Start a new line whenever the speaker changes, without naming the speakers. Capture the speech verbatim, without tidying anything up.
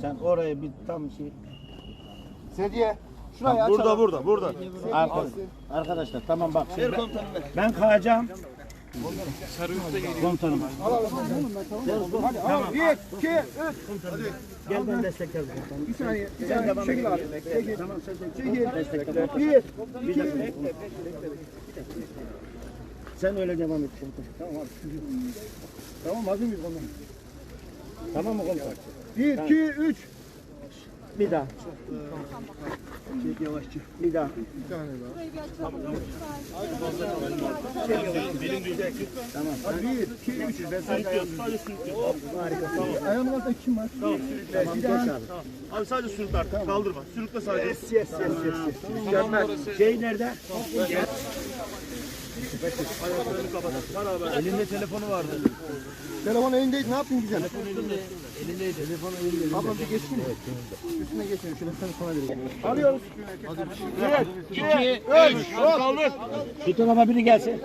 Sen oraya bir tam şey.
Sedye. Şurayı
Burada
açalım.
burada burada.
Arkadaşlar, arkadaşlar tamam bak. Şimdi ben, ben kayacağım. Komutanım.
Hadi al. Bir, iki, üç.
Gel ben desteklerim.
Bir saniye. Bir
Sen
saniye.
devam
Çekil
et.
abi. Çekil.
Tamam sen sen
Çekil.
destekle.
Bir,
Bir
iki,
dakika.
üç.
Sen öyle devam et komutanım.
Tamam abi. Tamam hazır mıyız ondan?
Tamam mı komutanım?
Bir, iki, üç.
Bir daha.
Çek yavaşça.
Bir daha.
Bir tane daha.
Tamam.
Hadi bir, iki, üç. Ben sadece ayağımı.
Harika.
Ayağımın altında kim var?
Tamam.
Tamam geç abi.
Abi sadece sürükle artık. Kaldırma. Sürükle sadece.
Yes yes yes yes. Mükemmel. Şey nerede?
Ayaklarını kapat. Beraber.
Elinde telefonu vardı.
Telefon elindeydi. Ne yaptın güzel?
Elindeydi. Telefonu elinde.
Ablam bir geçsin mi? Üstüne geçelim. Şöyle sen sana vereyim. Alıyoruz.
İki, üç. Kaldır.
Şu tarafa biri gelsin.